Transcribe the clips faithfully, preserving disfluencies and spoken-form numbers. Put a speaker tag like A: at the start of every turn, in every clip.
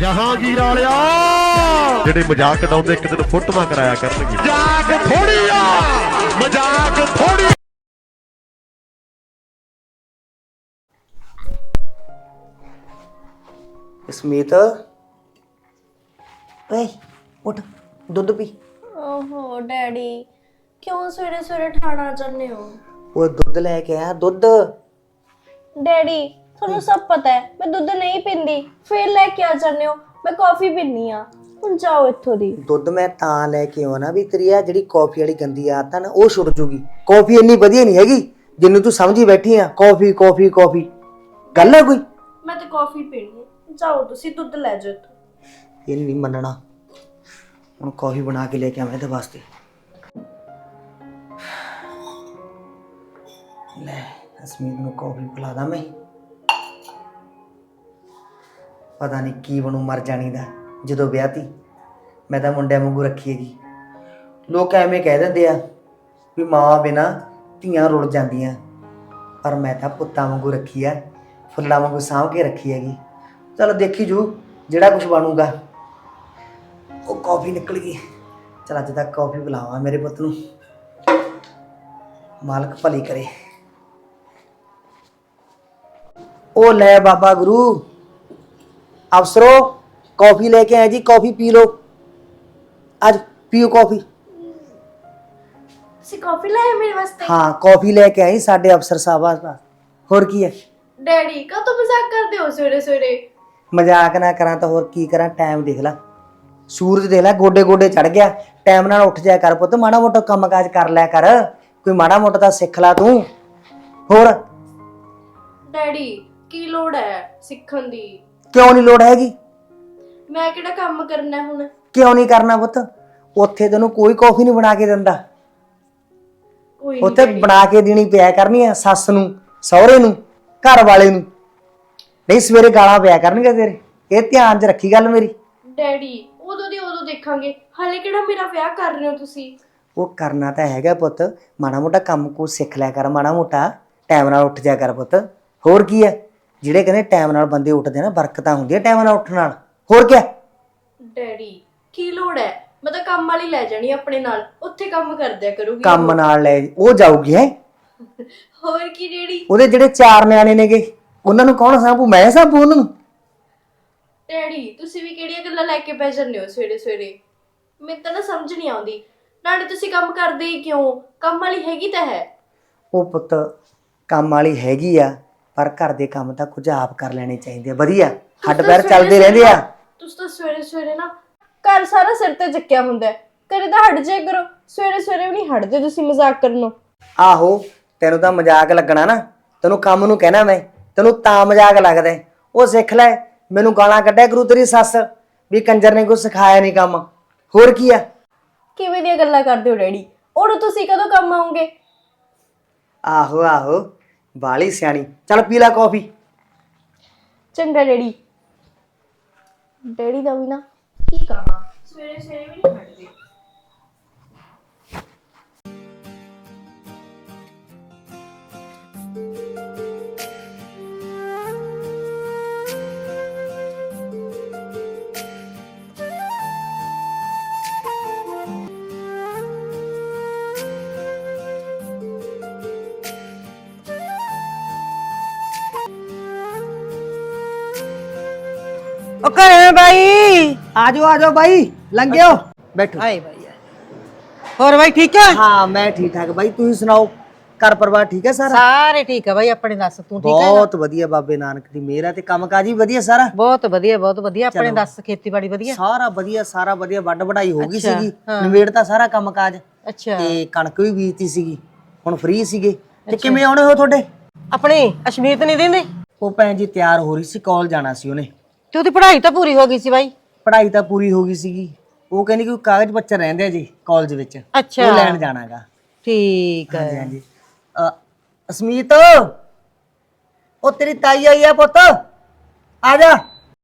A: ਜਹਾਂਗੀਰ ਵਾਲਿਆ ਜਿਹੜੇ ਮਜ਼ਾਕ ਉਡਾਉਂਦੇ ਇੱਕ ਦਿਨ ਫੋਟੋਆਂ ਕਰਾਇਆ ਕਰਨਗੇ। ਮਜ਼ਾਕ ਥੋੜੀ ਆ, ਮਜ਼ਾਕ ਥੋੜੀ।
B: ਸਮੀਤ ਓਏ ਉੱਠ ਦੁੱਧ ਪੀ।
C: ਓਹੋ ਡੈਡੀ ਕਿਉਂ ਸਵੇਰੇ ਸਵੇਰੇ ਠਾਣਾ ਚਾਹੁੰਦੇ ਹੋ?
B: ਉਹ ਦੁੱਧ ਲੈ ਕੇ ਆਇਆ ਦੁੱਧ।
C: ਡੈਡੀ ਤੁਹਾਨੂੰ ਸਭ ਪਤਾ ਹੈ ਮੈਂ ਦੁੱਧ ਨਹੀਂ ਪੀਂਦੀ, ਫੇਰ ਲੈ ਕੇ ਆ ਜਾਂਦੇ ਹੋ। ਮੈਂ ਕਾਫੀ ਪੀਂਦੀ ਆ, ਹੁਣ ਜਾਓ ਇੱਥੋਂ ਦੀ।
B: ਦੁੱਧ ਮੈਂ ਤਾਂ ਲੈ ਕੇ ਆਉਣਾ ਵੀ ਤੇਰੀ ਆ ਜਿਹੜੀ ਕਾਫੀ ਵਾਲੀ ਗੰਦੀ ਆਦਤ ਆ ਨਾ ਉਹ ਛੁੱਟ ਜੂਗੀ। ਕਾਫੀ ਇੰਨੀ ਵਧੀਆ ਨਹੀਂ ਹੈਗੀ ਜਿੰਨੂੰ ਤੂੰ ਸਮਝੀ ਬੈਠੀ ਆ। ਕਾਫੀ ਕਾਫੀ ਕਾਫੀ ਗੱਲ ਹੈ ਕੋਈ?
C: ਮੈਂ ਤਾਂ ਕਾਫੀ ਪੀਣੀ ਹੈ, ਜਾਓ ਤੁਸੀਂ ਦੁੱਧ ਲੈ ਜਾਓ ਇੱਥੋਂ।
B: ਇਹ ਨਹੀਂ ਮੰਨਣਾ, ਹੁਣ ਕਾਫੀ ਬਣਾ ਕੇ ਲੈ ਕੇ ਆਵਾਂ ਇਹਦੇ ਵਾਸਤੇ। ਲੈ ਅਸਮੀਤ ਨੂੰ ਕਾਫੀ ਪਿਲਾ ਦਾਂ ਮੈਂ। ਪਤਾ ਨਹੀਂ ਕੀ ਬਣੂ ਮਰ ਜਾਣੀ ਦਾ ਜਦੋਂ ਵਿਆਹ ਤੀ। ਮੈਂ ਤਾਂ ਮੁੰਡਿਆਂ ਵਾਂਗੂ ਰੱਖੀ ਹੈਗੀ। ਲੋਕ ਐਵੇਂ ਕਹਿ ਦਿੰਦੇ ਆ ਵੀ ਮਾਂ ਬਿਨਾ ਧੀਆਂ ਰੁੱਲ ਜਾਂਦੀਆਂ, ਪਰ ਮੈਂ ਤਾਂ ਪੁੱਤਾਂ ਵਾਂਗੂ ਰੱਖੀ ਆ, ਫੁੱਲਾਂ ਵਾਂਗੂ ਸਾਂਭ ਕੇ ਰੱਖੀ ਹੈਗੀ। ਚਲ ਦੇਖੀ ਜੂ ਜਿਹੜਾ ਕੁਝ ਬਣੂਗਾ। ਉਹ ਕਾਫੀ ਨਿਕਲ ਗਈ। ਚਲ ਅੱਜ ਤੱਕ ਕਾਫੀ ਪਿਲਾਵਾਂ ਮੇਰੇ ਪੁੱਤ ਨੂੰ, ਮਾਲਕ ਭਲੀ ਕਰੇ। ਉਹ ਲੈ ਬਾਬਾ ਗੁਰੂ ਅਫਸਰੋ कॉफी लेके आए जी, कॉफी पी लो, आज पियो कॉफी।
C: ਤੁਸੀਂ ਕਾਫੀ ਲਾਇਆ ਮੇਰੇ ਵਾਸਤੇ?
B: हाँ कॉफी लेके आई साडे अफसर साहब वास्ते। होर की है
C: ਡੈਡੀ ਕਾ ਤੋਂ ਮਜ਼ਾਕ ਕਰਦੇ ਹੋ ਸਵੇਰੇ ਸਵੇਰੇ?
B: मजाक ना करा तो होर की करा। टाइम देख ला, सूरज देख ला गोडे गोडे चढ़ गया। टाइम नाल उठ जाया कर पुत्त, माड़ा मोटा काम काज कर लिया कर, कोई माड़ा मोटा तां सिख ला तू। होर
C: ਡੈਡੀ ਕੀ ਲੋੜ ਹੈ ਸਿੱਖਣ ਦੀ?
B: क्यों नहीं लोड़ हैगी?
C: ਮੈਂ ਕਿਹੜਾ ਕੰਮ ਕਰਨਾ ਹੁਣ?
B: क्यों नहीं करना पुत्त? उत्थे तैनूं कोई कॉफी नहीं बना के दिंदा।
C: ਕੋਈ
B: उत्थे बना के देनी पिया करनी है सੱਸ ਨੂੰ, ਸਹੁਰੇ ਨੂੰ, घर वाले ਨੂੰ। नहीं सवेरे गालां पिया करनगे तेरे, ये ध्यान च रखी गल मेरी।
C: ਡੈਡੀ ਉਦੋਂ ਦੀ ਉਦੋਂ ਦੇਖਾਂਗੇ, ਹਾਲੇ ਕਿਹੜਾ ਮੇਰਾ ਵਿਆਹ ਕਰ ਰਹੇ ਹੋ ਤੁਸੀਂ?
B: ਉਹ ਕਰਨਾ ਤਾਂ ਹੈਗਾ ਪੁੱਤ, ਮਾੜਾ ਮੋਟਾ ਕੰਮ ਕੋ ਸਿੱਖ ਲਿਆ ਕਰ, ਮਾੜਾ ਮੋਟਾ ਟਾਈਮ ਨਾਲ ਉੱਠ ਜਾ ਕਰ ਪੁੱਤ। ਹੋਰ ਕੀ ਹੈ, ਜਿਹੜੇ ਕਹਿੰਦੇ ਟਾਈਮ ਨਾਲ ਬੰਦੇ ਉੱਠਦੇ ਨਾ ਬਰਕਤਾਂ ਹੁੰਦੀਆਂ ਟਾਈਮ ਨਾਲ ਉੱਠਣ ਨਾਲ। ਹੋਰ ਕੀ?
C: ਡੈਡੀ ਕੀ ਲੋੜ ਹੈ, ਮੈਂ ਤਾਂ ਕੰਮ ਵਾਲੀ ਲੈ ਜਾਣੀ ਆਪਣੇ ਨਾਲ, ਉੱਥੇ ਕੰਮ ਕਰਦਿਆ ਕਰੂਗੀ।
B: ਕੰਮ ਨਾਲ ਲੈ ਉਹ ਜਾਊਗੀ ਹੈ?
C: ਹੋਰ ਕੀ ਡੈਡੀ?
B: ਉਹਦੇ ਜਿਹੜੇ ਚਾਰ ਨਿਆਣੇ ਨੇਗੇ ਉਹਨਾਂ ਨੂੰ ਕੌਣ ਸਾਂਭੂ? ਮੈਂ ਸਾਂਭੂ ਉਹਨਾਂ ਨੂੰ?
C: ਡੈਡੀ ਤੁਸੀਂ ਵੀ ਕਿਹੜੀਆਂ ਗੱਲਾਂ ਲੈ ਕੇ ਬਹਿ ਜਾਂਦੇ ਹੋ ਸਵੇਰੇ ਸਵੇਰੇ? ਮੈਨੂੰ ਤਾਂ ਨਾ ਸਮਝ ਨਹੀਂ ਆਉਂਦੀ। ਨਾਲੇ ਤੁਸੀਂ ਕੰਮ ਕਰਦੇ ਹੀ ਕਿਉਂ? ਕੰਮ ਵਾਲੀ ਹੈਗੀ ਤਾਂ ਹੈ।
B: ਉਹ ਪੁੱਤ ਕੰਮ ਵਾਲੀ ਹੈਗੀ ਆ, ਪਰ ਘਰ ਦੇ ਕੰਮ ਤਾਂ ਕੁਝ ਆਪ ਕਰ ਲੈਣੇ ਚਾਹੀਦੇ ਆ। ਵਧੀਆ ਹੱਡ ਪੈਰ ਚੱਲਦੇ ਰਹਿੰਦੇ ਆ।
C: ਤੁਸੀਂ ਤਾਂ ਸਵੇਰੇ ਸਵੇਰੇ ਨਾ ਘਰ ਸਾਰਾ ਸਿਰ ਤੇ ਚੱਕਿਆ ਹੁੰਦਾ, ਕਦੇ ਤਾਂ ਹਟ ਜਾਇਆ ਕਰੋ। ਸਵੇਰੇ ਸਵੇਰੇ ਵੀ ਨਹੀਂ ਹਟਦੇ ਤੁਸੀਂ ਮਜ਼ਾਕ ਕਰਨੋਂ।
B: ਆਹੋ ਤੈਨੂੰ ਤਾਂ ਮਜ਼ਾਕ ਲੱਗਣਾ ਨਾ, ਤੈਨੂੰ ਕੰਮ ਨੂੰ ਕਹਿਣਾ ਮੈਂ, ਤੈਨੂੰ ਤਾਂ ਮਜ਼ਾਕ ਲੱਗਦਾ। ਉਹ ਸਿੱਖ ਲੈ, ਮੈਨੂੰ ਗਾਲਾਂ ਕੱਢਿਆ ਕਰੂ ਤੇਰੀ ਸੱਸ ਵੀ ਕੰਜਰ ਨੇ ਕੁਝ ਸਿਖਾਇਆ ਨਹੀਂ ਕੰਮ। ਹੋਰ ਕੀ ਆ?
C: ਕਿਵੇਂ ਦੀਆਂ ਗੱਲਾਂ ਕਰਦੇ ਹੋ ਡੈਡੀ? ਉਹਨੂੰ ਤੁਸੀਂ ਕਦੋਂ ਕੰਮ ਆਉਂਗੇ?
B: ਆਹੋ ਆਹੋ ਬਾਲੀ ਸਿਆਣੀ। ਚੱਲ ਪੀ ਲੈ ਕੌਫੀ।
C: ਚੰਗਾ ਡੈਡੀ। ਡੈਡੀ ਦਾ ਵੀ ਨਾ ਕੀ ਕਹਾਂ, ਸਵੇਰੇ ਸਵੇਰੇ ਵੀ ਨਹੀਂ ਹਟਦੇ।
D: ਘਰੇ ਬਾਈ
B: ਆ ਜਾਓ ਆ ਜਾਓ ਬਾਈ, ਲੰਘਿਓ ਬੈਠੋ।
D: ਹਾਏ ਬਾਈ ਹੋਰ ਬਾਈ ਠੀਕ ਹੈ?
B: ਹਾਂ ਮੈਂ ਠੀਕ ਠਾਕ ਬਾਈ, ਤੁਸੀਂ ਸੁਣਾਓ ਘਰ ਪਰਿਵਾਰ ਠੀਕ ਹੈ ਸਾਰਾ?
D: ਸਾਰੇ ਠੀਕ ਹੈ ਬਾਈ, ਆਪਣੇ ਦੱਸ ਤੂੰ ਠੀਕ ਹੈ?
B: ਬਹੁਤ ਵਧੀਆ ਬਾਬੇ ਨਾਨਕ ਦੀ ਮਿਹਰ ਹੈ ਤੇ ਕੰਮ ਕਾਜ ਵੀ ਵਧੀਆ ਸਾਰਾ।
D: ਬਹੁਤ ਵਧੀਆ ਬਹੁਤ ਵਧੀਆ, ਆਪਣੇ ਦੱਸ ਖੇਤੀਬਾੜੀ ਵਧੀਆ?
B: ਸਾਰਾ ਵਧੀਆ ਸਾਰਾ ਵਧੀਆ, ਵੱਡ ਵਢਾਈ ਹੋ ਗਈ ਸੀਗੀ,
D: ਹਾਂ।
B: ਨਿਬੇੜ ਤਾਂ ਸਾਰਾ ਕੰਮ ਕਾਜ।
D: ਅੱਛਾ
B: ਤੇ ਕਣਕ ਵੀ ਬੀਜਤੀ ਸੀਗੀ, ਹੁਣ ਫ੍ਰੀ ਸੀਗੇ। ਤੇ ਕਿਵੇਂ ਆਉਣੇ ਹੋ ਤੁਹਾਡੇ?
D: ਆਪਣੀ ਅਸ਼ਮੀਤ ਨਹੀਂ ਦਿੰਦੇ?
B: ਉਹ ਭੈਣ ਜੀ ਤਿਆਰ ਹੋ ਰਹੀ ਸੀ, ਕਾਲਜ ਜਾਣਾ ਸੀ ਉਹਨੇ।
D: ਤੇ ਉਹਦੀ ਪੜ੍ਹਾਈ ਤਾਂ ਪੂਰੀ ਹੋ ਗਈ ਸੀ ਬਾਈ?
B: ਪੜ੍ਹਾਈ ਤਾਂ ਪੂਰੀ ਹੋ ਗਈ ਸੀਗੀ, ਉਹ ਕਹਿੰਦੀ ਕਿ ਕਾਗਜ਼ ਪੱਤਰ ਰਹਿੰਦੇ ਆ ਜੀ ਕਾਲਜ ਵਿੱਚ,
D: ਅੱਛਾ
B: ਉਹ ਲੈਣ ਜਾਣਾਗਾ।
D: ਠੀਕ ਹੈ।
B: ਹਾਂਜੀ ਹਾਂਜੀ। ਅ, ਅਸਮੀਤ ਉਹ ਤੇਰੀ ਤਾਈ ਆਈ ਆ ਪੁੱਤ, ਆ ਜਾ।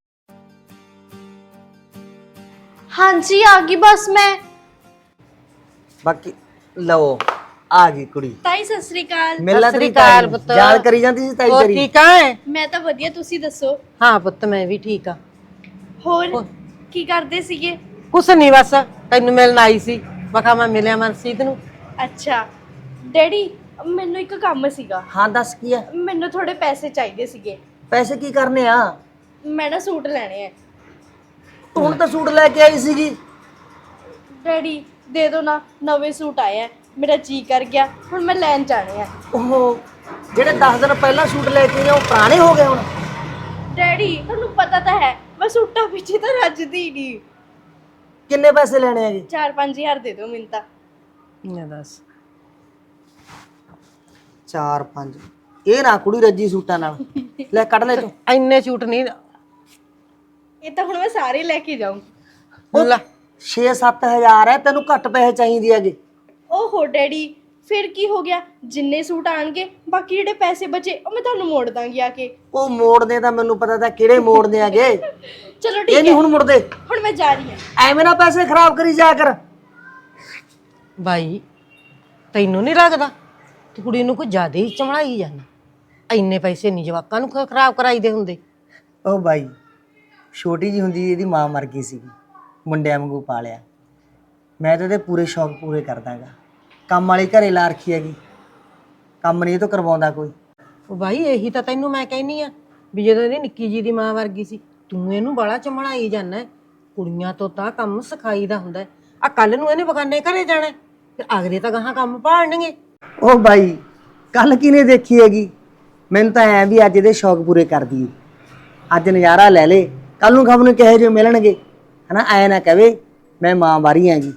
C: ਹਾਂਜੀ ਆ ਗਈ ਬਸ ਮੈਂ।
B: ਬਾਕੀ ਲਓ ਆ ਗਈ ਕੁੜੀ।
C: ਤਾਈ ਸਤਿ ਸ੍ਰੀ ਅਕਾਲ।
B: ਮਿਲਣਾ
D: ਸਤਿ ਸ੍ਰੀ
B: ਤੇਰੀ
D: ਅਕਾਲ
B: ਤਾਈ
D: ਪੁੱਤ।
B: ਯਾਦ ਕਰੀ ਜਾਂਦੀ ਸੀ ਤਾਈ
D: ਹੋਰ
B: ਤੇਰੀ।
D: ਠੀਕ ਹੈ?
C: ਮੈਂ ਤਾਂ ਵਧੀਆ, ਤੁਸੀਂ ਦੱਸੋ?
D: ਹਾਂ ਪੁੱਤ ਮੈਂ ਵੀ ਠੀਕ ਆ।
C: ਹੋਰ ਕੀ ਕਰਦੇ ਸੀਗੇ?
D: ਕੁਛ ਨਹੀਂ ਬਸ ਤੈਨੂੰ ਮਿਲਣ ਆਈ ਸੀ। ਮੈਂ ਕਿਹਾ ਮੈਂ ਮਿਲਿਆ ਮਨਸੀਤ ਨੂੰ।
C: ਅੱਛਾ ਡੈਡੀ, ਮੈਨੂੰ ਇੱਕ ਕੰਮ ਸੀਗਾ।
B: ਹਾਂ ਦੱਸ ਕੀ ਆ?
C: ਮੈਨੂੰ ਥੋੜੇ ਪੈਸੇ ਚਾਹੀਦੇ ਸੀਗੇ।
B: ਪੈਸੇ ਕੀ ਕਰਨੇ ਆ?
C: ਮੈਂ ਨਾ ਸੂਟ ਲੈਣੇ ਆ।
B: ਤੂੰ ਹੁਣ ਤਾਂ ਸੂਟ ਲੈ ਕੇ ਆਈ ਸੀਗੀ।
C: ਡੈਡੀ ਦੇ ਦੋ ਨਾ, ਨਵੇਂ ਸੂਟ ਆਏ ਆ, ਮੇਰਾ ਜੀ ਕਰ ਗਿਆ, ਹੁਣ ਮੈਂ ਲੈਣ ਜਾਣੇ ਆ।
B: ਉਹ ਜਿਹੜੇ ਦਸ ਦਿਨ ਪਹਿਲਾਂ ਸੂਟ ਲੈ ਕੇ ਆਏ ਉਹ ਪੁਰਾਣੇ ਹੋ ਗਏ ਹੁਣ।
C: ਡੈਡੀ ਤੁਹਾਨੂੰ ਪਤਾ ਤਾਂ ਹੈ ਮੈਂ ਸੂਟਾਂ ਪਿੱਛੇ ਤਾਂ ਰੱਜਦੀ ਨਹੀਂ।
B: ਕਿੰਨੇ ਪੈਸੇ ਲੈਣੇ ਆ ਜੀ?
C: ਚਾਰ ਪੰਜ ਹਜ਼ਾਰ ਦੇ ਦਿਓ ਮੈਨੂੰ ਤਾਂ।
D: ਇਹ ਦੱਸ
B: ਚਾਰ ਪੰਜ? ਇਹ ਨਾ ਕੁੜੀ ਰੱਜੀ ਸੂਟਾਂ ਨਾਲ। ਲੈ ਕੱਢ ਲੈ ਤੂੰ।
D: ਇੰਨੇ ਸੂਟ ਨਹੀਂ।
C: ਇਹ ਤਾਂ ਹੁਣ ਮੈਂ ਸਾਰੇ ਲੈ ਕੇ ਜਾਊਂ।
D: ਲੈ
B: ਛੇ ਸੱਤ ਹਜ਼ਾਰ ਹੈ, ਤੈਨੂੰ ਘੱਟ ਪੈਸੇ ਚਾਹੀਦੇ ਹੈਗੇ।
C: ਓਹੋ ਡੈਡੀ, ਫਿਰ ਕੀ ਹੋ ਗਿਆ? ਜਿੰਨੇ ਸੂਟ ਆਣਗੇ ਬਾਕੀ ਜਿਹੜੇ ਪੈਸੇ ਬਚੇ ਉਹ ਮੈਂ ਤੁਹਾਨੂੰ ਮੋੜ ਦਾਂਗੀ ਆ ਕੇ।
B: ਉਹ ਮੋੜਦੇ ਤਾਂ ਮੈਨੂੰ ਪਤਾ ਤਾਂ ਕਿਹੜੇ ਮੋੜਦੇ ਹੈਗੇ।
C: ਚਲੋ
B: ਇਹ
C: ਠੀਕ
B: ਨਹੀਂ
C: ਹੈ,
B: ਹੁਣ ਮੁੜਦੇ।
C: ਹੁਣ ਮੈਂ ਜਾ ਰਹੀ ਹਾਂ।
B: ਐਵੇਂ ਨਾ ਪੈਸੇ ਖਰਾਬ ਕਰੀ ਜਾ ਕਰ।
D: ਬਾਈ ਤੈਨੂੰ ਨਹੀਂ ਲੱਗਦਾ ਤੂੰ ਕੁੜੀ ਨੂੰ ਕੋਈ ਜ਼ਿਆਦਾ ਹੀ ਚਮੜਾਈ ਜਾਂਦਾ? ਇੰਨੇ ਪੈਸੇ ਨਹੀਂ ਜਵਾਕਾਂ ਨੂੰ ਖ- ਖਰਾਬ ਕਰਾਈਦੇ ਹੁੰਦੇ।
B: ਉਹ ਬਾਈ ਛੋਟੀ ਜੀ ਹੁੰਦੀ ਇਹਦੀ ਮਾਂ ਮਰ ਗਈ ਸੀਗੀ, ਮੁੰਡਿਆਂ ਵਾਂਗੂ ਪਾਲਿਆ। ਮੈਂ ਤਾਂ ਇਹਦੇ ਪੂਰੇ ਸ਼ੌਕ ਪੂਰੇ ਕਰਦਾਗਾ। ਕੰਮ ਵਾਲੀ ਘਰੇ ਲਾ ਰੱਖੀ ਹੈਗੀ, ਕੰਮ ਨਹੀਂ ਇਹ ਤੋਂ ਕਰਵਾਉਂਦਾ ਕੋਈ।
D: ਉਹ ਬਾਈ ਇਹੀ ਤਾਂ ਤੈਨੂੰ ਮੈਂ ਕਹਿਨੀ ਆ ਵੀ ਜਦੋਂ ਇਹਦੀ ਨਿੱਕੀ ਜੀ ਦੀ ਮਾਂ ਵਰਗੀ ਸੀ ਤੂੰ ਇਹਨੂੰ ਬੜਾ ਚਮੜਾਈ ਜਾਂਦਾ। ਕੁੜੀਆਂ ਤੋਂ ਤਾਂ ਕੰਮ ਸਿਖਾਈਦਾ ਹੁੰਦਾ। ਆ ਕੱਲ ਨੂੰ ਇਹਨੇ ਬਗਾਨੇ ਘਰੇ ਜਾਣਾ, ਫਿਰ ਅਗਲੇ ਤਾਂ ਗਾਹਾਂ ਕੰਮ ਭਾਲਣਗੇ।
B: ਉਹ ਬਾਈ ਕੱਲ ਕਿਹਨੇ ਦੇਖੀ ਹੈਗੀ? ਮੈਨੂੰ ਤਾਂ ਐ ਵੀ ਅੱਜ ਇਹਦੇ ਸ਼ੌਕ ਪੂਰੇ ਕਰ ਦਈਏ। ਅੱਜ ਨਜ਼ਾਰਾ ਲੈ ਲੇ, ਕੱਲ ਨੂੰ ਖਬਰ ਨੂੰ ਕਿਹੋ ਜਿਹੇ ਮਿਲਣਗੇ, ਹਨਾ? ਐ ਨਾ ਕਵੇ ਮੈਂ ਮਾਂ ਬਾਰੀ ਹੈਗੀ।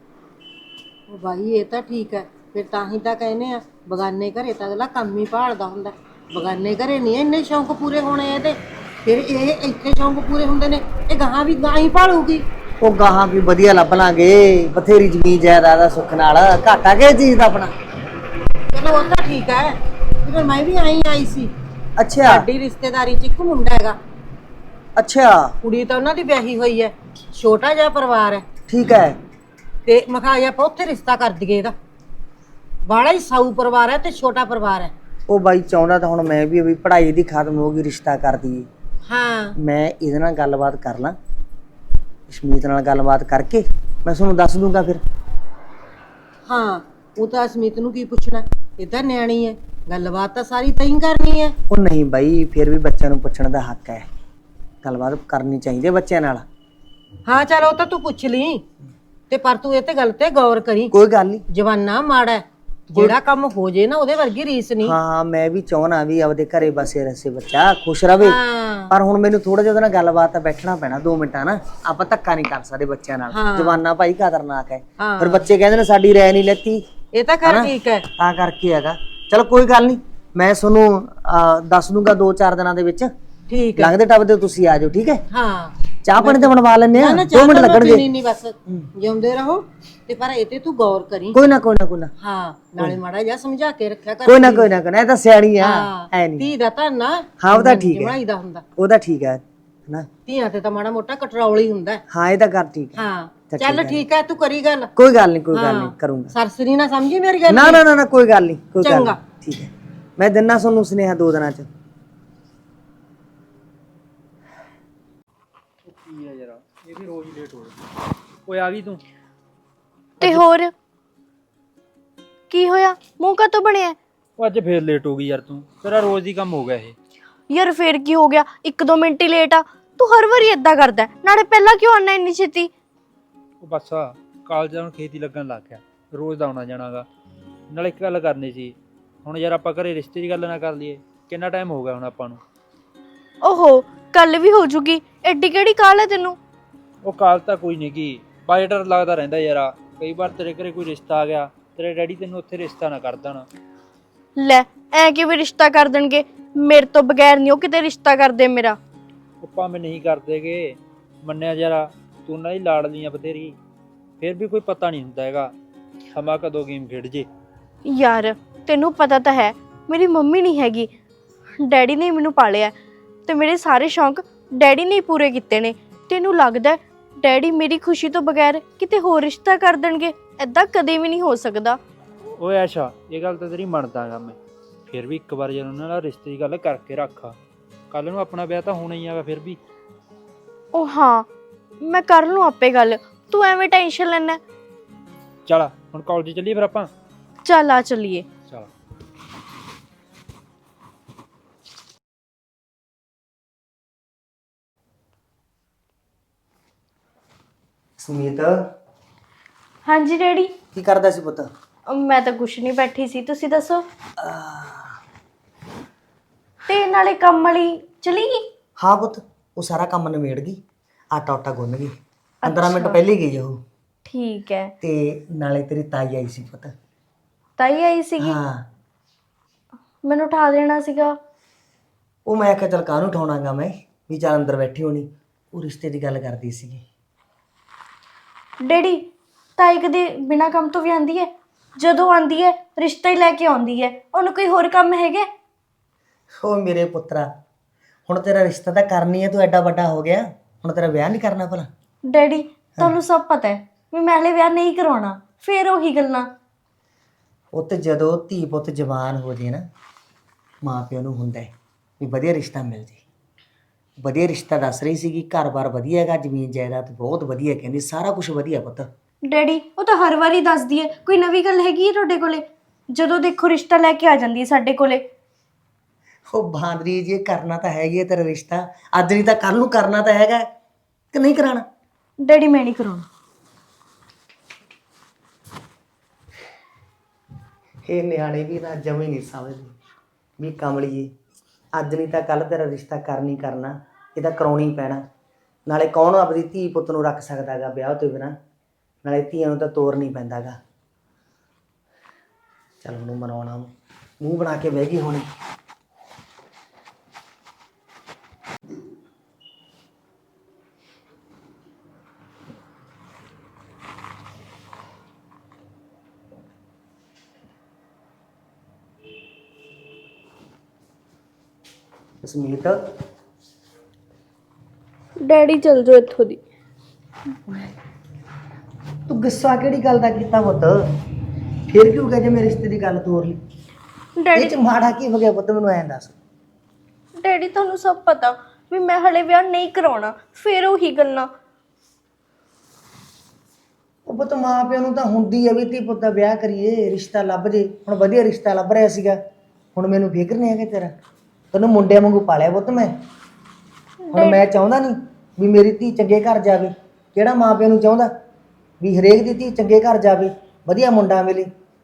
D: ਉਹ ਬਾਈ ਇਹ ਤਾਂ ਠੀਕ ਹੈ, ਫਿਰ ਤਾਂ ਹੀ ਤਾਂ ਕਹਿੰਦੇ ਆ ਬਗਾਨੇ ਘਰੇ ਤਾਂ ਅਗਲਾ ਕੰਮ ਹੀ ਭਾਲਦਾ ਹੁੰਦਾ। ਬਗਾਨੇ ਘਰੇ ਨਹੀਂ ਇੰਨੇ ਸ਼ੌਂਕ ਪੂਰੇ ਹੋਣੇ ਇਹਦੇ, ਫਿਰ ਇਹ ਇੱਥੇ ਸ਼ੌਂਕ ਪੂਰੇ ਹੁੰਦੇ ਨੇ। ਇਹ ਗਾਹਾਂ ਵੀ ਗਾਂ ਹੀ ਭਾਲੂਗੀ।
B: ਉਹ ਗਾਹਾਂ ਵੀ ਵਧੀਆ ਲੱਭ ਲਾਂਗੇ, ਬਥੇਰੀ ਜ਼ਮੀਨ ਜਾਇਦਾਦ ਦਾ ਸੁੱਖ ਨਾਲ। ਘਾਟਾ ਕਿਹ ਚੀਜ਼ ਦਾ ਆਪਣਾ?
D: ਚਲੋ ਉਹ ਤਾਂ ਠੀਕ ਹੈ, ਫਿਰ ਮੈਂ ਵੀ ਆਈ ਆਈ ਸੀ।
B: ਅੱਛਾ
D: ਸਾਡੀ ਰਿਸ਼ਤੇਦਾਰੀ 'ਚ ਇੱਕ ਮੁੰਡਾ ਹੈਗਾ,
B: ਅੱਛਾ
D: ਕੁੜੀ ਤਾਂ ਉਹਨਾਂ ਦੀ ਵਿਆਹੀ ਹੋਈ ਹੈ, ਛੋਟਾ ਜਿਹਾ ਪਰਿਵਾਰ ਹੈ।
B: ਠੀਕ ਹੈ।
D: ਤੇ ਮੈਂ ਕਿਹਾ ਆਪਾਂ ਉੱਥੇ ਰਿਸ਼ਤਾ ਕਰ ਦਈਏ ਇਹਦਾ। ਬਾੜਾ ਹੀ ਸਾਊ ਪਰਿਵਾਰ ਹੈ ਤੇ ਛੋਟਾ ਪਰਿਵਾਰ ਹੈ।
B: ਉਹ ਬਾਈ ਚਾਹੁੰਦਾ ਤਾਂ ਹੁਣ ਮੈਂ ਵੀ ਵੀ ਪੜ੍ਹਾਈ ਦੀ ਖਤਮ ਹੋ ਗਈ, ਰਿਸ਼ਤਾ ਕਰ ਦਈਏ।
D: ਹਾਂ
B: ਮੈਂ ਇਹਦੇ ਨਾਲ ਗੱਲਬਾਤ ਕਰ ਲਾਂ, ਅਸ਼ਮੀਤ ਨਾਲ ਗੱਲਬਾਤ ਕਰਕੇ ਮੈਂ ਤੁਹਾਨੂੰ ਦੱਸ ਦੂੰਗਾ ਫਿਰ।
D: ਹਾਂ ਉਹ ਤਾਂ ਅਸਮੀਤ ਨੂੰ ਕੀ ਪੁੱਛਣਾ, ਇਹ ਤਾਂ ਨਿਆਣੀ ਹੈ, ਗੱਲਬਾਤ ਤਾਂ ਸਾਰੀ ਤੈਂ ਕਰਨੀ ਹੈ।
B: ਉਹ ਨਹੀਂ ਬਾਈ, ਫਿਰ ਵੀ ਬੱਚਿਆਂ ਨੂੰ ਪੁੱਛਣ ਦਾ ਹੱਕ ਹੈ, ਗੱਲਬਾਤ ਕਰਨੀ ਚਾਹੀਦੀ ਹੈ ਬੱਚਿਆਂ ਨਾਲ।
D: ਹਾਂ ਚਲ ਉਹ ਤਾਂ ਤੂੰ ਪੁੱਛ ਲਈ, ਤੇ ਪਰ ਤੂੰ ਇਹ ਤੇ ਗੱਲ ਤੇ ਗੌਰ ਕਰੀ।
B: ਕੋਈ ਗੱਲ ਨਹੀਂ।
D: ਜਵਾਨਾ ਮਾੜਾ ਹੈ, ਜਿਹੜਾ ਕੰਮ ਹੋ ਜੇ ਨਾ ਉਹਦੇ ਵਰਗੀ ਰੀਸ ਨਹੀਂ।
B: ਹਾਂ ਮੈਂ ਵੀ ਚਾਹਣਾ ਵੀ ਆਪਦੇ ਘਰੇ ਬਸੇ ਰਸੇ ਬੱਚਾ ਖੁਸ਼ ਰਵੇ।
D: ਹਾਂ
B: ਪਰ ਹੁਣ ਮੈਨੂੰ ਥੋੜਾ ਜਿਹਾ ਉਹਦੇ ਨਾਲ ਗੱਲਬਾਤ ਤਾਂ ਬੈਠਣਾ ਪੈਣਾ ਦੋ ਮਿੰਟਾਂ ਨਾ। ਆਪਾਂ ਧੱਕਾ ਨਹੀਂ ਕਰ ਸਕਦੇ ਬੱਚਿਆਂ ਨਾਲ, ਜਵਾਨਾ ਭਾਈ ਖਤਰਨਾਕ ਹੈ।
D: ਹਾਂ।
B: ਫਿਰ ਬੱਚੇ ਕਹਿੰਦੇ ਨੇ ਸਾਡੀ ਰਾਏ ਨਹੀਂ ਲੈਤੀ,
D: ਇਹ ਤਾਂ ਕਰ ਠੀਕ ਹੈ।
B: ਤਾਂ ਕਰਕੇ ਹੈਗਾ। ਚਲੋ ਕੋਈ ਗੱਲ ਨਹੀਂ, ਮੈਂ ਤੁਹਾਨੂੰ ਅਹ, ਦੱਸ ਦੂੰਗਾ ਦੋ ਚਾਰ ਦਿਨਾਂ ਦੇ ਵਿੱਚ।
D: ਠੀਕ ਹੈ।
B: ਲੰਘਦੇ ਟੱਪਦੇ ਤੁਸੀਂ ਆ ਜਾਓ, ਠੀਕ ਹੈ?
D: ਹਾਂ
B: ਚਾਹ ਪਾਣੀ ਤਾਂ ਬਣਵਾ ਲੈਣੇ ਆ,
D: ਨਾ
B: ਦੋ ਮਿੰਟ ਲੱਗਣਗੇ।
D: ਨਹੀਂ ਨਹੀਂ ਬਸ ਜਿਉਂਦੇ ਰਹੋ, ਤੇ ਪਰ ਇਹ ਤੇ ਤੂੰ ਗੌਰ ਕਰੀ।
B: ਕੋਈ ਨਾ ਕੋਈ ਨਾ ਕੋਈ ਨਾ
D: ਹਾਂ ਨਾਲੇ ਮਾੜਾ ਜਿਹਾ ਸਮਝਾ ਕੇ ਰੱਖਿਆ ਕਰ।
B: ਕੋਈ ਨਾ ਕੋਈ ਨਾ ਕੋਈ ਨਾ, ਇਹ ਤਾਂ ਸਿਆਣੀ ਆ, ਐ ਨਹੀਂ।
D: ਧੀ ਦਾ ਤਾਂ ਨਾ
B: ਹਾਂ ਉਹਦਾ ਠੀਕ ਹੈ,
D: ਜਮਾਈਦਾ ਹੁੰਦਾ।
B: ਉਹਦਾ ਠੀਕ ਹੈ ਨਾ।
D: ਧੀਆਂ ਤੇ ਤਾਂ ਮਾੜਾ ਮੋਟਾ ਕਟਰੌਲ ਹੀ ਹੁੰਦਾ।
B: ਹਾਂ ਇਹ ਤਾਂ ਕਰ ਠੀਕ ਹੈ।
D: ਹਾਂ ਚੱਲ ਠੀਕ ਹੈ, ਤੂੰ ਕਰੀ ਗੱਲ।
B: ਕੋਈ ਗੱਲ ਨਹੀਂ ਕੋਈ ਗੱਲ ਨਹੀਂ, ਕਰੂੰਗਾ।
D: ਸਰਸਰੀ ਨਾ ਸਮਝੀ ਮੇਰੀ ਗੱਲ।
B: ਨਾ ਨਾ ਨਾ ਨਾ ਕੋਈ ਗੱਲ ਨਹੀਂ, ਕੋਈ ਗੱਲ
D: ਚੰਗਾ।
B: ਨਹੀਂ, ਠੀਕ ਹੈ। ਮੈਂ ਦਿਨਾ ਤੁਹਾਨੂੰ ਸੁਨੇਹਾ ਦੋ ਦਿਨਾਂ ਚ।
E: ਕੀ ਆ ਯਾਰ, ਇਹ ਵੀ ਰੋਜ਼ ਲੇਟ ਹੋ ਰਿਹਾ। ਓਏ ਆ ਗਈ ਤੂੰ?
C: ਤੇ ਹੋਰ ਕੀ ਹੋਇਆ? ਮੂੰਹ ਕਾਤੋਂ ਬਣਿਆ?
E: ਉਹ ਅੱਜ ਫੇਰ ਲੇਟ ਹੋ ਗਈ ਯਾਰ ਤੂੰ, ਤੇਰਾ ਰੋਜ਼ ਦੀ ਕੰਮ ਹੋ ਗਿਆ ਇਹ।
C: ਯਾਰ ਫੇਰ ਕੀ ਹੋ ਗਿਆ? ਇੱਕ ਦੋ ਮਿੰਟ ਹੀ ਲੇਟ ਆ, ਤੂੰ ਹਰ ਵਾਰੀ ਏਦਾਂ ਕਰਦਾ ਹੈ। ਨਾਲੇ ਪਹਿਲਾਂ ਕਿਉਂ ਆਣਾ ਇੰਨੀ ਛੇਤੀ?
E: ਉਹ ਬਸ ਆ ਕਾਲਜ ਹੁਣ ਖੇਤੀ ਲੱਗਣ ਲੱਗ ਗਿਆ, ਰੋਜ਼ ਦਾ ਆਉਣਾ ਜਾਣਾਗਾ। ਨਾਲ ਇੱਕ ਗੱਲ ਕਰਨੀ ਸੀ, ਹੁਣ ਯਾਰ ਆਪਾਂ ਘਰੇ ਰਿਸ਼ਤੇ ਦੀ ਗੱਲ ਨਾ ਕਰ ਲਈਏ? ਕਿੰਨਾ ਟਾਈਮ ਹੋ ਗਿਆ ਹੁਣ ਆਪਾਂ ਨੂੰ?
C: ਓਹੋ ਕੱਲ ਵੀ ਹੋ ਜੂਗੀ, ਐਡੀ ਕਿਹੜੀ ਕਾਲ ਹੈ ਤੈਨੂੰ?
E: ਉਹ ਕਾਲ ਤਾਂ ਕੋਈ ਨਹੀਂ ਗੀ, ਬਾਈ ਡਰ ਲੱਗਦਾ ਰਹਿੰਦਾ ਯਾਰ। ਕਈ ਵਾਰ ਤੇਰੇ ਘਰੇ ਕੋਈ ਰਿਸ਼ਤਾ ਆ ਗਿਆ, ਤੇਰੇ ਡੈਡੀ ਤੈਨੂੰ ਉੱਥੇ ਰਿਸ਼ਤਾ ਨਾ ਕਰ ਦੇਣ।
C: ਲੈ ਐ ਕਿਵੇਂ ਰਿਸ਼ਤਾ ਕਰ ਦੇਣਗੇ? ਮੇਰੇ ਤੋਂ ਬਗੈਰ ਨਹੀਂ ਉਹ ਕਿਤੇ ਰਿਸ਼ਤਾ ਕਰਦੇ ਮੇਰਾ।
E: ਉਹ ਭਾਵੇਂ ਨਹੀਂ ਕਰਦੇਗੇ, ਮੰਨਿਆ ਯਾਰ ਤੂੰ ਉਹਨਾਂ ਦੀ ਲਾਡਲੀ ਆ ਬਥੇਰੀ, ਫਿਰ ਵੀ ਕੋਈ ਪਤਾ ਨਹੀਂ ਹੁੰਦਾ ਹੈਗਾ ਸਮਾਂ ਕਦੋਂ ਗੇਮ ਖੇਡ ਜੇ।
C: ਯਾਰ ਤੈਨੂੰ ਪਤਾ ਤਾਂ ਹੈ ਮੇਰੀ ਮੰਮੀ ਨਹੀਂ ਹੈਗੀ, ਡੈਡੀ ਨੇ ਮੈਨੂੰ ਪਾਲਿਆ, ਤੇ ਮੇਰੇ ਸਾਰੇ ਸ਼ੌਂਕ ਡੈਡੀ ਨੇ ਪੂਰੇ ਕੀਤੇ ਨੇ। ਤੈਨੂੰ ਲੱਗਦਾ ਡੈਡੀ ਮੇਰੀ ਖੁਸ਼ੀ ਤੋਂ ਬਗੈਰ ਕਿਤੇ ਹੋਰ ਰਿਸ਼ਤਾ ਕਰ ਦੇਣਗੇ? ਐਦਾਂ ਕਦੇ ਵੀ ਨਹੀਂ ਹੋ ਸਕਦਾ।
E: ਓਏ ਐਸ਼ਾ, ਇਹ ਗੱਲ ਤਾਂ ਤੇਰੀ ਮੰਨਦਾਗਾ ਮੈਂ, ਫਿਰ ਵੀ ਇੱਕ ਵਾਰ ਜਦੋਂ ਉਹਨਾਂ ਨਾਲ ਰਿਸ਼ਤੇ ਦੀ ਗੱਲ ਕਰਕੇ ਰੱਖ। ਕੱਲ ਨੂੰ ਆਪਣਾ ਵਿਆਹ ਤਾਂ ਹੋਣਾ ਹੀ ਹੈਗਾ। ਫਿਰ ਵੀ
C: ਉਹ ਹਾਂ, ਮੈਂ ਕਰ ਲੂੰ ਆਪੇ ਗੱਲ, ਤੂੰ ਐਵੇਂ ਟੈਨਸ਼ਨ ਲੈਣਾ।
E: ਚੱਲ ਹੁਣ ਕਾਲਜ ਚੱਲੀਏ ਫਿਰ ਆਪਾਂ।
C: ਚੱਲ ਆ ਚੱਲੀਏ।
E: ਚਲ।
B: ਸੁਮੀਤ
C: ਹਾਂਜੀ ਡੈਡੀ।
B: ਕੀ ਕਰਦਾ ਸੀ ਪੁੱਤ?
C: ਮੈਂ ਤਾਂ ਕੁਛ ਨਹੀਂ, ਬੈਠੀ ਸੀ, ਤੁਸੀਂ ਦੱਸੋ। ਤੇ ਨਾਲੇ ਕੰਮ ਵਾਲੀ ਚਲੀ ਗਈ?
B: ਹਾਂ ਪੁੱਤ, ਉਹ ਸਾਰਾ ਕੰਮ ਨਿਬੇੜ ਗਈ, ਆਟਾ ਉਟਾ ਗੁੰਨ ਗਈ, ਪੰਦਰਾਂ ਮਿੰਟ ਪਹਿਲੇ ਗਈ ਉਹ।
C: ਠੀਕ ਹੈ।
B: ਤੇ ਨਾਲੇ ਤੇਰੀ ਤਾਈ ਆਈ ਸੀ ਪੁੱਤ।
C: ਤਾਈ ਆਈ ਸੀਗੀ?
B: ਹਾਂ।
C: ਮੈਨੂੰ ਉਠਾ ਦੇਣਾ ਸੀਗਾ।
B: ਉਹ ਮੈਂ ਕਿਹਾ ਚੱਲ ਕਾਹਨੂੰ ਉਠਾਉਣਾਗਾ ਮੈਂ, ਵੀ ਚੱਲ ਅੰਦਰ ਬੈਠੀ ਹੋਣੀ, ਉਹ ਰਿਸ਼ਤੇ ਦੀ ਗੱਲ ਕਰਦੀ ਸੀਗੀ।
C: ਡੈਡੀ, ਤਾਈ ਕਦੇ ਬਿਨਾਂ ਕੰਮ ਤੋਂ ਵੀ ਆਂਦੀ ਹੈ? ਜਦੋਂ ਆਂਦੀ ਹੈ ਰਿਸ਼ਤਾ ਹੀ ਲੈ ਕੇ ਆਉਂਦੀ ਹੈ, ਉਹਨੂੰ ਕੋਈ ਹੋਰ ਕੰਮ ਹੈਗਾ?
B: ਉਹ ਮੇਰੇ ਪੁੱਤਰਾ, ਹੁਣ ਤੇਰਾ ਰਿਸ਼ਤਾ ਤਾਂ ਕਰਨੀ ਹੈ, ਤੂੰ ਐਡਾ ਵੱਡਾ ਹੋ ਗਿਆ, ਹੁਣ ਤੇਰਾ ਵਿਆਹ ਨਹੀਂ ਕਰਨਾ ਭਲਾ?
C: ਡੈਡੀ ਤੁਹਾਨੂੰ ਸਭ ਪਤਾ ਹੈ ਵੀ ਮੈਂ ਹਲੇ ਵਿਆਹ ਨਹੀਂ ਕਰਾਉਣਾ, ਫੇਰ ਉਹੀ ਗੱਲਾਂ।
B: ਉਹ ਤੇ ਜਦੋਂ ਧੀ ਪੁੱਤ ਜਵਾਨ ਹੋ ਜੇ ਨਾ, ਮਾਂ ਪਿਓ ਨੂੰ ਹੁੰਦਾ ਹੈ ਵੀ ਵਧੀਆ ਰਿਸ਼ਤਾ ਮਿਲ ਜੇ। ਵਧੀਆ ਰਿਸ਼ਤਾ ਦੱਸ ਰਹੀ ਸੀਗੀ, ਘਰ-ਬਾਰ ਵਧੀਆ ਹੈਗਾ, ਜ਼ਮੀਨ ਜਾਇਦਾਦ ਬਹੁਤ ਵਧੀਆ, ਕਹਿੰਦੀ ਸਾਰਾ ਕੁਝ ਵਧੀਆ ਪੁੱਤ।
C: ਡੈਡੀ ਉਹ ਤਾਂ ਹਰ ਵਾਰੀ ਦੱਸਦੀ ਹੈ, ਕੋਈ ਨਵੀਂ ਗੱਲ ਹੈਗੀ ਹੈ ਤੁਹਾਡੇ ਕੋਲੇ? ਜਦੋਂ ਦੇਖੋ ਰਿਸ਼ਤਾ ਲੈ ਕੇ ਆ ਜਾਂਦੀ ਹੈ ਸਾਡੇ ਕੋਲੇ।
B: ਉਹ ਬਾਂਦਰੀ ਜੀ, ਕਰਨਾ ਤਾਂ ਹੈਗੀ ਹੈ ਤੇਰਾ ਰਿਸ਼ਤਾ, ਅੱਜ ਨਹੀਂ ਤਾਂ ਕੱਲ ਨੂੰ ਕਰਨਾ ਤਾਂ ਹੈਗਾ ਕਿ ਨਹੀਂ ਕਰਾਉਣਾ?
C: ਡੈਡੀ ਮੈਂ ਨਹੀਂ ਕਰਾਉਣਾ।
B: ਇਹ ਨਿਆਣੇ ਵੀ ਨਾ ਜਮੇ ਨਹੀਂ ਸਮਝਦੇ ਵੀ ਕਮਲੀਏ, ਅੱਜ ਨਹੀਂ ਤਾਂ ਕੱਲ ਤੇਰਾ ਰਿਸ਼ਤਾ ਕਰਨੀ ਕਰਨਾ, ਇਹਦਾ ਕਰਾਉਣੀ ਪੈਣਾ। ਨਾਲੇ ਕੌਣ ਆਪਣੀ ਧੀ ਪੁੱਤ ਨੂੰ ਰੱਖ ਸਕਦਾ ਗਾ ਵਿਆਹ ਤੋਂ ਬਿਨਾਂ, ਨਾਲੇ ਧੀਆਂ ਨੂੰ ਤਾਂ ਤੋਰ ਨਹੀਂ ਪੈਂਦਾ ਗਾ। ਚੱਲ ਉਹਨੂੰ ਮਨਾਉਣਾ, ਮੂੰਹ ਬਣਾ ਕੇ ਬਹਿ ਗਈ ਹੋਣੀ। ਸੁਮੀਤ,
C: ਡੈਡੀ ਚਲ ਜਾਓ ਇੱਥੋਂ ਦੀ।
B: ਤੂੰ ਗੁੱਸਾ ਕਿਹੜੀ ਗੱਲ ਦਾ ਕੀਤਾ ਪੁੱਤ? ਫਿਰ ਕਿਉਂ ਕਹੇ ਜੇ ਮੇਰੇ ਰਿਸ਼ਤੇ ਦੀ ਗੱਲ ਤੋਰ ਲਈ? ਇਹ
C: ਡੈਡੀ
B: ਚ ਮਾੜਾ ਕੀ ਹੋ ਗਿਆ ਪੁੱਤ, ਮੈਨੂੰ ਐਂ ਦੱਸ।
C: ਡੈਡੀ ਤੁਹਾਨੂੰ ਸਭ ਪਤਾ ਵੀ ਮੈਂ ਹਲੇ ਵਿਆਹ ਨਹੀਂ ਕਰਾਉਣਾ, ਫੇਰ ਉਹੀ ਗੱਲਾਂ।
B: ਉਹ ਪੁੱਤ ਮਾਂ ਪਿਓ ਨੂੰ ਤਾਂ ਹੁੰਦੀ ਆ ਵੀ ਧੀ ਪੁੱਤ ਦਾ ਵਿਆਹ ਕਰੀਏ, ਰਿਸ਼ਤਾ ਲੱਭ ਜੇ। ਹੁਣ ਵਧੀਆ ਰਿਸ਼ਤਾ ਲੱਭ ਰਿਹਾ ਸੀਗਾ, ਹੁਣ ਮੈਨੂੰ ਫਿਕਰ ਨਹੀਂ ਹੈਗਾ ਤੇਰਾ, ਤੈਨੂੰ ਮੁੰਡਿਆਂ ਵਾਂਗੂ ਪਾਲਿਆ ਪੁੱਤ ਮੈਂ। ਹੁਣ ਮੈਂ ਚਾਹੁੰਦਾ ਨਹੀਂ ਵੀ ਮੇਰੀ ਧੀ ਚੰਗੇ ਘਰ ਜਾਵੇ। ਕਿਹੜਾ ਮਾਂ ਪਿਓ ਨੂੰ ਚਾਹੁੰਦਾ ਵੀ ਹਰੇਕ ਦੀ ਧੀ ਚੰਗੇ ਘਰ ਜਾਵੇ, ਵਧੀਆ ਮੁੰਡਾ ਮਿਲੇ?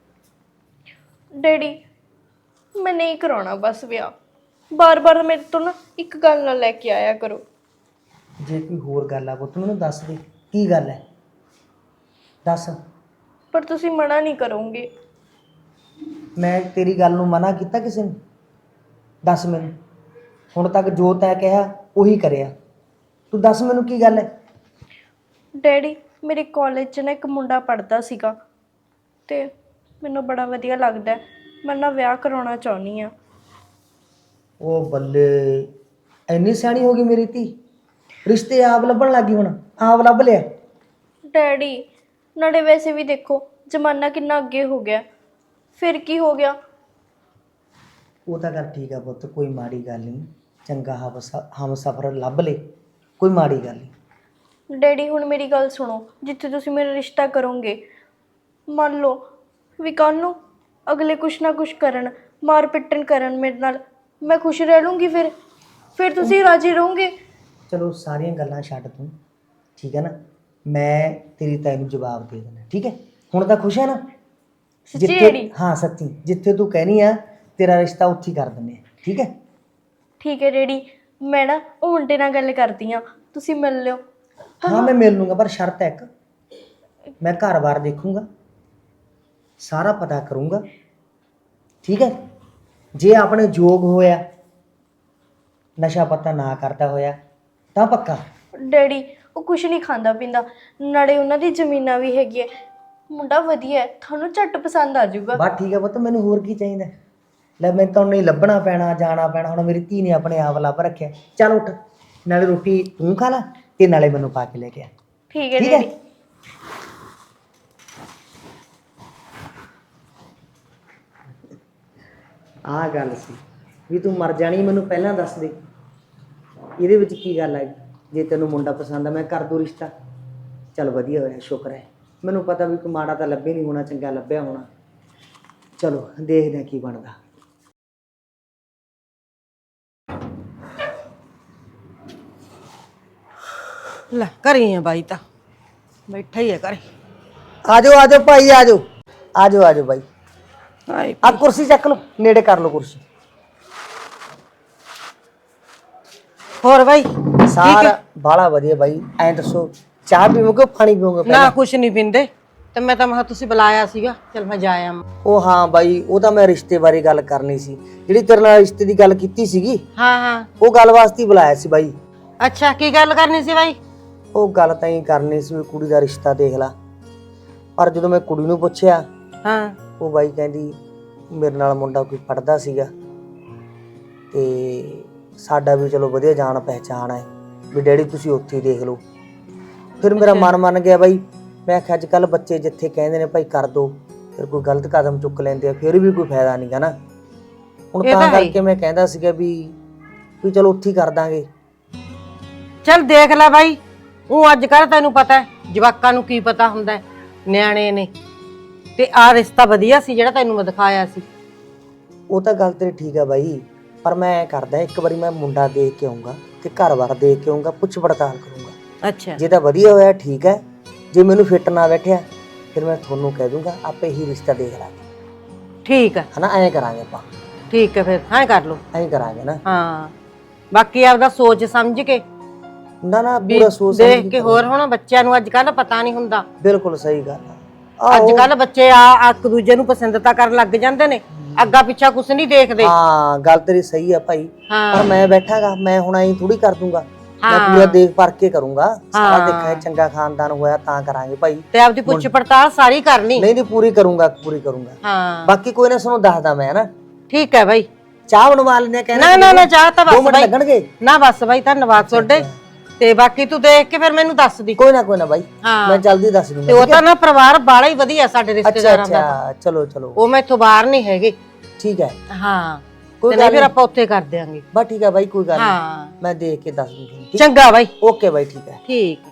C: ਡੈਡੀ ਮੈਂ ਨਹੀਂ ਕਰਾਉਣਾ ਬਸ ਵਿਆਹ, ਬਾਰ-ਬਾਰ ਮੇਰੇ ਤੋਂ ਨਾ ਇੱਕ ਗੱਲ ਨਾ ਲੈ ਕੇ ਆਇਆ ਕਰੋ।
B: ਜੇ ਕੋਈ ਹੋਰ ਗੱਲ ਆ ਪੁੱਤ ਮੈਨੂੰ ਦੱਸ ਦੇ, ਕੀ ਗੱਲ ਹੈ ਦੱਸ।
C: ਪਰ ਤੁਸੀਂ ਮਨਾ ਨਹੀਂ ਕਰੋਗੇ?
B: ਮੈਂ ਤੇਰੀ ਗੱਲ ਨੂੰ ਮਨਾ ਕੀਤਾ ਕਿਸੇ ਨੂੰ? ਦੱਸ ਮੈਨੂੰ, ਹੁਣ ਤੱਕ ਜੋ ਤੈਂ ਕਿਹਾ ਉਹੀ ਕਰਿਆ, ਤੂੰ ਦੱਸ ਮੈਨੂੰ ਕੀ ਗੱਲ ਹੈ?
C: ਡੈਡੀ ਮੇਰੇ ਕਾਲਜ 'ਚ ਨਾ ਇੱਕ ਮੁੰਡਾ ਪੜ੍ਹਦਾ ਸੀਗਾ ਤੇ ਮੈਨੂੰ ਬੜਾ ਵਧੀਆ ਲੱਗਦਾ, ਮੈਂ ਨਾ ਵਿਆਹ ਕਰਾਉਣਾ ਚਾਹੁੰਦੀ ਆ।
B: ਉਹ ਬੱਲੇ, ਇੰਨੀ ਸਿਆਣੀ ਹੋ ਗਈ ਮੇਰੀ ਧੀ, ਰਿਸ਼ਤੇ ਆਪ ਲੱਭਣ ਲੱਗੀ, ਹੁਣ ਆਪ ਲੱਭ ਲਿਆ?
C: ਡੈਡੀ ਨਾਲੇ ਵੈਸੇ ਵੀ ਦੇਖੋ ਜ਼ਮਾਨਾ ਕਿੰਨਾ ਅੱਗੇ ਹੋ ਗਿਆ, ਫਿਰ ਕੀ ਹੋ ਗਿਆ?
B: ਉਹ ਤਾਂ ਗੱਲ ਠੀਕ ਆ ਪੁੱਤ, ਕੋਈ ਮਾੜੀ ਗੱਲ ਨਹੀਂ, ਚੰਗਾ ਹਮ ਸਫਰ ਲੱਭ ਲੇ, ਕੋਈ ਮਾੜੀ ਗੱਲ ਨਹੀਂ।
C: ਡੈਡੀ ਹੁਣ ਮੇਰੀ ਗੱਲ ਸੁਣੋ, ਜਿੱਥੇ ਤੁਸੀਂ ਮੇਰਾ ਰਿਸ਼ਤਾ ਕਰੋਗੇ, ਮੰਨ ਲਓ ਵੀ ਕੱਲ੍ਹ ਨੂੰ ਅਗਲੇ ਕੁਛ ਨਾ ਕੁਛ ਕਰਨ, ਮਾਰ ਪਿੱਟਣ ਕਰਨ ਮੇਰੇ ਨਾਲ, ਮੈਂ ਖੁਸ਼ ਰਹਿ ਲੂੰਗੀ, ਫਿਰ ਫਿਰ ਤੁਸੀਂ ਰਾਜੀ ਰਹੋਗੇ?
B: ਚਲੋ ਸਾਰੀਆਂ ਗੱਲਾਂ ਛੱਡ ਤੂੰ, ਠੀਕ ਹੈ ਨਾ, ਮੈਂ ਤੇਰੀ ਤਾਈ ਨੂੰ ਜਵਾਬ ਦੇ ਦੇਣਾ, ਠੀਕ ਹੈ? ਹੁਣ ਤਾਂ ਖੁਸ਼ ਹੈ ਨਾ?
C: ਸੱਚੀ ਡੈਡੀ?
B: ਹਾਂ ਸੱਚੀ, ਜਿੱਥੇ ਤੂੰ ਕਹਿਨੀ ਆ ਤੇਰਾ ਰਿਸ਼ਤਾ ਉੱਥੇ ਹੀ ਕਰ ਦਿੰਦੇ ਆ, ਠੀਕ ਹੈ?
C: ਠੀਕ ਹੈ ਡੈਡੀ, ਮੈਂ ਨਾ ਉਹ ਮੁੰਡੇ ਨਾਲ ਗੱਲ ਕਰਦੀ ਹਾਂ, ਤੁਸੀਂ ਮਿਲ ਲਿਓ।
B: ਹਾਂ ਮੈਂ ਮਿਲ ਲੂੰਗਾ, ਪਰ ਸ਼ਰਤ ਹੈ ਇੱਕ, ਮੈਂ ਘਰ-ਬਾਰ ਦੇਖੂੰਗਾ, ਸਾਰਾ ਪਤਾ ਕਰੂੰਗਾ, ਠੀਕ ਹੈ? ਜੇ ਆਪਣੇ ਯੋਗ ਹੋਇਆ, ਨਸ਼ਾ ਪੱਤਾ ਨਾ ਕਰਦਾ ਹੋਇਆ ਤਾਂ ਪੱਕਾ।
C: ਡੈਡੀ ਉਹ ਕੁਛ ਨਹੀਂ ਖਾਂਦਾ ਪੀਂਦਾ, ਨਾਲੇ ਉਹਨਾਂ ਦੀ ਜ਼ਮੀਨਾਂ ਵੀ ਹੈਗੀ ਹੈ, ਮੁੰਡਾ ਵਧੀਆ ਹੈ, ਤੁਹਾਨੂੰ ਝੱਟ ਪਸੰਦ ਆ ਜਾਊਗਾ।
B: ਬਸ ਠੀਕ ਹੈ ਪੁੱਤ, ਮੈਨੂੰ ਹੋਰ ਕੀ ਚਾਹੀਦਾ? ਲੈ ਮੈਨੂੰ ਤਾਂ ਨਹੀਂ ਲੱਭਣਾ ਪੈਣਾ, ਜਾਣਾ ਪੈਣਾ, ਹੁਣ ਮੇਰੀ ਧੀ ਨੇ ਆਪਣੇ ਆਪ ਲੱਭ ਰੱਖਿਆ। ਚੱਲ ਉੱਠ, ਨਾਲੇ ਰੋਟੀ ਤੂੰ ਖਾ ਲੈ ਤੇ ਨਾਲੇ ਮੈਨੂੰ ਪਾ ਕੇ ਲੈ ਕੇ ਆ।
C: ਠੀਕ ਹੈ
B: ਠੀਕ ਹੈ?
C: ਡੈਡੀ।
B: ਆਹ ਗੱਲ ਸੀ ਵੀ ਤੂੰ ਮਰ ਜਾਣੀ, ਮੈਨੂੰ ਪਹਿਲਾਂ ਦੱਸ ਦੇ, ਇਹਦੇ ਵਿੱਚ ਕੀ ਗੱਲ ਹੈ? ਜੇ ਤੈਨੂੰ ਮੁੰਡਾ ਪਸੰਦ ਆ ਮੈਂ ਕਰ ਦੂੰ ਰਿਸ਼ਤਾ। ਚੱਲ ਵਧੀਆ ਹੋਇਆ, ਸ਼ੁਕਰ ਹੈ। ਮੈਨੂੰ ਪਤਾ ਵੀ ਕੋਈ ਮਾੜਾ ਤਾਂ ਲੱਭੇ ਨਹੀਂ ਹੋਣਾ, ਚੰਗਾ ਲੱਭਿਆ ਹੋਣਾ। ਚਲੋ ਦੇਖਦੇ ਹਾਂ ਕੀ ਬਣਦਾ।
D: ਲੈ ਘਰੇ ਆ ਬਾਈ ਤਾਂ ਬੈਠਾ ਹੀ ਹੈ ਘਰੇ।
B: ਆਜੋ ਆਜੋ ਭਾਈ, ਆਜੋ ਆਜੋ ਆਜੋ ਬਾਈ।
D: ਹਾਏ
B: ਆ ਕੁਰਸੀ ਚੱਕ ਲਓ, ਨੇੜੇ ਕਰ ਲਓ ਕੁਰਸੀ।
D: ਹੋਰ ਬਾਈ
B: ਸਾਰਾ ਬਾਲਾ ਵਧੀਆ ਬਾਈ। ਐਂ ਦੱਸੋ ਚਾਹ ਪੀਵੋਗੇ ਪਾਣੀ ਪੀਵੋਗੇ?
D: ਨਾ ਕੁਛ ਨਹੀਂ ਪੀਂਦੇ ਤੇ ਮੈਂ ਤਾਂ ਮਹਾ ਤੁਸੀਂ ਬੁਲਾਇਆ ਸੀਗਾ, ਚਲ ਮੈਂ ਜਾ ਆਵਾਂ।
B: ਉਹ ਹਾਂ ਬਾਈ, ਉਹ ਤਾਂ ਮੈਂ ਰਿਸ਼ਤੇ ਬਾਰੇ ਗੱਲ ਕਰਨੀ ਸੀ। ਜਿਹੜੀ ਤੇਰੇ ਨਾਲ ਰਿਸ਼ਤੇ ਦੀ ਗੱਲ ਕੀਤੀ ਸੀਗੀ,
D: ਹਾਂ ਹਾਂ
B: ਉਹ ਗੱਲ ਵਾਸਤੇ ਹੀ ਬੁਲਾਇਆ ਸੀ ਬਾਈ।
D: ਅੱਛਾ ਕੀ ਗੱਲ ਕਰਨੀ ਸੀ ਬਾਈ?
B: ਉਹ ਗੱਲ ਤਾਂ ਹੀ ਕਰਨੀ ਸੀ ਵੀ ਕੁੜੀ ਦਾ ਰਿਸ਼ਤਾ ਦੇਖ ਲਾ। ਪਰ ਜਦੋਂ ਮੈਂ ਕੁੜੀ ਨੂੰ ਪੁੱਛਿਆ,
D: ਹਾਂ
B: ਉਹ ਬਾਈ ਕਹਿੰਦੀ ਮੇਰੇ ਨਾਲ ਮੁੰਡਾ ਕੋਈ ਪੜਦਾ ਸੀਗਾ ਤੇ ਸਾਡਾ ਵੀ ਚਲੋ ਵਧੀਆ ਜਾਣ ਪਹਿਚਾਣ ਹੈ, ਵੀ ਡੈਡੀ ਤੁਸੀਂ ਉੱਥੇ ਹੀ ਦੇਖ ਲਓ। ਫਿਰ ਮੇਰਾ ਮਨ ਮੰਨ ਗਿਆ ਬਾਈ। ਮੈਂ ਆਖਿਆ ਅੱਜ ਕੱਲ ਬੱਚੇ ਜਿੱਥੇ ਕਹਿੰਦੇ ਨੇ ਭਾਈ ਕਰ ਦੋ, ਫਿਰ ਕੋਈ ਗਲਤ ਕਦਮ ਚੁੱਕ ਲੈਂਦੇ ਆ, ਫਿਰ ਵੀ ਕੋਈ ਫਾਇਦਾ ਨਹੀਂ ਗਾ ਨਾ। ਹੁਣ ਤਾਂ ਕਰਕੇ ਮੈਂ ਕਹਿੰਦਾ ਸੀਗਾ ਵੀ ਵੀ ਚਲੋ ਉੱਥੇ ਹੀ ਕਰ ਦਾਂਗੇ।
D: ਚਲ ਦੇਖ ਲੈ ਬਾਈ, ਉਹ ਅੱਜ ਕੱਲ ਤੈਨੂੰ ਪਤਾ ਹੈ ਜਵਾਕਾਂ ਨੂੰ ਕੀ ਪਤਾ ਹੁੰਦਾ, ਨਿਆਣੇ ਨੇ। ਤੇ ਆ ਰਿਸ਼ਤਾ ਵਧੀਆ ਸੀ ਜਿਹੜਾ ਤੈਨੂੰ ਮੈਂ ਦਿਖਾਇਆ ਸੀ।
B: ਉਹ ਤਾਂ ਗੱਲ ਤੇਰੀ ਠੀਕ ਆ ਬਾਈ, ਪਰ ਮੈਂ ਐ ਕਰਦਾ ਇੱਕ ਵਾਰੀ ਮੈਂ ਮੁੰਡਾ ਦੇਖ ਕੇ ਆਉਂਗਾ ਤੇ ਘਰ-ਬਾਰ ਦੇਖ ਕੇ ਆਉਂਗਾ, ਪੁੱਛ ਪੜਤਾਲ ਕਰੂੰਗਾ।
D: ਅੱਛਾ
B: ਜੇ ਤਾਂ ਵਧੀਆ ਹੋਇਆ ਠੀਕ ਹੈ, ਜੇ ਮੈਨੂੰ ਫਿੱਟ ਨਾ ਬੈਠਿਆ ਫਿਰ ਮੈਂ ਤੁਹਾਨੂੰ ਕਹਿ ਦੂੰਗਾ ਆਪੇ ਹੀ ਰਿਸ਼ਤਾ ਦੇਖ ਲਾਂਗੇ।
D: ਠੀਕ ਹੈ
B: ਹਨਾ, ਐਂ ਕਰਾਂਗੇ ਆਪਾਂ।
D: ਠੀਕ ਹੈ ਫਿਰ ਹਾਂ ਕਰ ਲਓ।
B: ਐਂ ਕਰਾਂਗੇ ਨਾ।
D: ਹਾਂ ਬਾਕੀ ਆਪਦਾ ਸੋਚ ਸਮਝ ਕੇ
B: ਨਾ ਨਾ ਪੂਰਾ ਸੋਚ
D: ਦੇਖ ਕੇ। ਹੋਰ ਹੁਣ ਬੱਚਿਆਂ ਨੂੰ ਅੱਜ ਕੱਲ ਪਤਾ ਨਹੀਂ ਹੁੰਦਾ।
B: ਬਿਲਕੁਲ ਸਹੀ ਗੱਲ ਆ।
D: ਅੱਜ ਕੱਲ ਬੱਚੇ ਆ ਇੱਕ ਦੂਜੇ ਨੂੰ ਪਸੰਦ ਤਾਂ ਕਰਨ ਲੱਗ ਜਾਂਦੇ ਨੇ, ਅੱਗਾ ਪਿੱਛਾ ਕੁਛ ਨਹੀਂ ਦੇਖਦੇ।
B: ਹਾਂ ਗੱਲ ਤੇਰੀ ਸਹੀ ਆ ਭਾਈ, ਪਰ ਮੈਂ ਬੈਠਾਗਾ, ਮੈਂ ਹੁਣ ਐਂ ਥੋੜੀ ਕਰ ਦੂੰਗਾ। ਮੈਂ ਪੂਰਾ ਦੇਖ ਪਰਖ ਕੇ ਕਰੂੰਗਾ, ਸਾਰਾ ਦੇਖਾਂ ਚੰਗਾ ਖਾਨਦਾਨ ਹੋਇਆ ਤਾਂ ਕਰਾਂਗੇ ਭਾਈ।
D: ਤੇ ਆਪਦੀ ਪੁੱਛ ਪੜਤਾਲ ਸਾਰੀ ਕਰਨੀ।
B: ਨਹੀਂ ਨਹੀਂ ਪੂਰੀ ਕਰੂੰਗਾ, ਪੂਰੀ ਕਰੂੰਗਾ।
D: ਹਾਂ
B: ਬਾਕੀ ਕੋਈ ਨਾ ਤੁਹਾਨੂੰ ਦੱਸਦਾ ਮੈਂ ਨਾ।
D: ਠੀਕ ਹੈ ਬਾਈ।
B: ਚਾਹ ਬਣਵਾ ਲੈਣੇ ਕਹਿੰਦੇ।
D: ਨਾ ਨਾ ਨਾ ਚਾਹ ਤਾਂ ਬਸ ਬਾਈ
B: ਲੱਗਣਗੇ
D: ਨਾ, ਬਸ ਬਾਈ ਧੰਨਵਾਦ ਤੁਹਾਡੇ। ਤੇ ਬਾਕੀ ਤੂੰ ਦੇਖ ਕੇ ਫਿਰ ਮੈਨੂੰ ਦੱਸ ਦੀ।
B: ਕੋਈ ਨਾ ਕੋਈ ਨਾ ਬਾਈ, ਮੈਂ ਜਲਦੀ ਦੱਸ ਦੂੰਗਾ।
D: ਤੇ ਉਹ ਤਾਂ ਨਾ ਪਰਿਵਾਰ ਬਾਲਾ ਹੀ ਵਧੀਆ ਸਾਡੇ ਰਿਸ਼ਤੇਦਾਰਾਂ ਦਾ।
B: ਅੱਛਾ ਚਲੋ ਚਲੋ,
D: ਉਹ ਮੈਥੋਂ ਬਾਹਰ ਨਹੀਂ ਹੈਗੇ।
B: ਠੀਕ ਹੈ।
D: ਹਾਂ
B: ਕੋਈ
D: ਗੱਲ ਫਿਰ ਆਪਾਂ ਉੱਥੇ ਕਰ ਦਿਆਂਗੇ।
B: ਬਸ ਠੀਕ ਹੈ ਬਾਈ, ਕੋਈ ਗੱਲ
D: ਹਾਂ
B: ਨਹੀਂ, ਮੈਂ ਦੇਖ ਕੇ ਦੱਸ ਦੂੰਗਾ।
D: ਚੰਗਾ ਬਾਈ।
B: ਓਕੇ ਬਾਈ, ਠੀਕ ਹੈ।
D: ਠੀਕ